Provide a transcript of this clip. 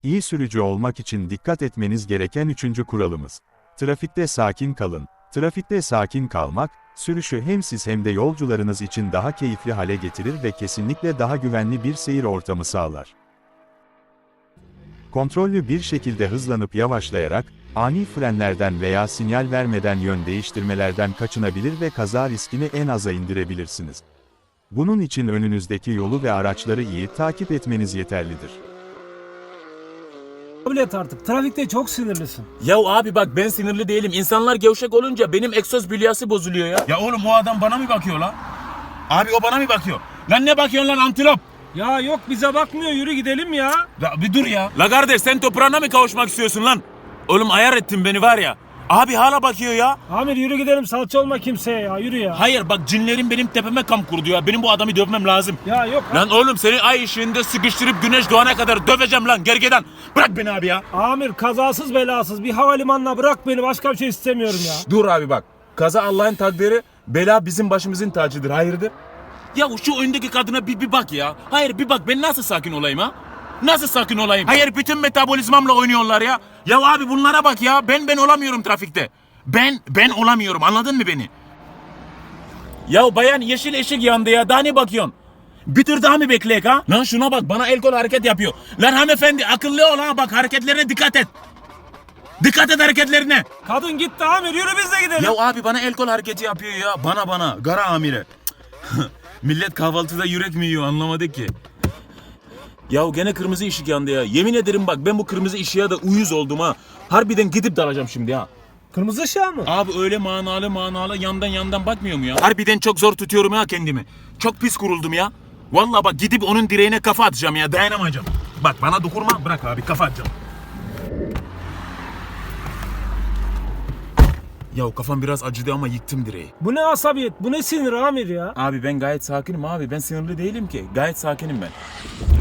İyi sürücü olmak için dikkat etmeniz gereken üçüncü kuralımız. Trafikte sakin kalın. Trafikte sakin kalmak, sürüşü hem siz hem de yolcularınız için daha keyifli hale getirir ve kesinlikle daha güvenli bir seyir ortamı sağlar. Kontrollü bir şekilde hızlanıp yavaşlayarak, ani frenlerden veya sinyal vermeden yön değiştirmelerden kaçınabilir ve kaza riskini en aza indirebilirsiniz. Bunun için önünüzdeki yolu ve araçları iyi takip etmeniz yeterlidir. Kabul et artık. Trafikte çok sinirlisin. Ya abi bak ben sinirli değilim. İnsanlar gevşek olunca benim egzoz bülyası bozuluyor ya. Ya oğlum o adam bana mı bakıyor lan? Abi o bana mı bakıyor? Lan ne bakıyorsun lan antilop? Ya yok bize bakmıyor, yürü gidelim ya. Ya bir dur ya. La kardeş sen toprağına mı kavuşmak istiyorsun lan? Oğlum ayar ettin beni var ya. Abi hala bakıyor ya. Amir yürü gidelim, salça olma kimseye ya, yürü ya. Hayır bak cinlerin benim tepeme kamp kurdu ya. Benim bu adamı dövmem lazım. Ya yok. Lan oğlum seni ay ışığında sıkıştırıp güneş doğana kadar döveceğim lan gergedan. Bırak beni abi ya. Amir kazasız belasız bir havalimanına bırak beni, başka bir şey istemiyorum ya. Dur abi bak. Kaza Allah'ın takdiri, bela bizim başımızın tacıdır. Hayırdır? Ya şu öndeki kadına bir bak ya. Hayır bir bak ben nasıl sakin olayım ha? Nasıl sakin olayım? Hayır bütün metabolizmamla oynuyorlar ya. Ya abi bunlara bak ya. Ben olamıyorum trafikte. Ben olamıyorum. Anladın mı beni? Ya bayan yeşil ışık yandı ya. Daha ne bakıyorsun? Bir tur daha mı bekleyek ha? Lan şuna bak bana el kol hareket yapıyor. Lan hanımefendi akıllı ol ha. Bak hareketlerine dikkat et. Dikkat et hareketlerine. Kadın gitti Amir, yürü biz de gidelim. Ya abi bana el kol hareketi yapıyor ya. Bana. Gara amire. Millet kahvaltıda yürek mi yiyor anlamadık ki. Ya gene kırmızı ışık yandı ya. Yemin ederim bak ben bu kırmızı ışığa da uyuz oldum ha. Harbiden gidip dalacağım şimdi ha. Kırmızı ışığa mı? Abi öyle manalı yandan bakmıyor mu ya? Harbiden çok zor tutuyorum ha kendimi. Çok pis kuruldum ya. Vallahi bak gidip onun direğine kafa atacağım ya, dayanamayacağım. Bak bana dokunma, bırak abi kafa atacağım. Ya kafam biraz acıdı ama yıktım direği. Bu ne asabiyet, bu ne sinir Amir ya. Abi ben gayet sakinim abi. Ben sinirli değilim ki. Gayet sakinim ben.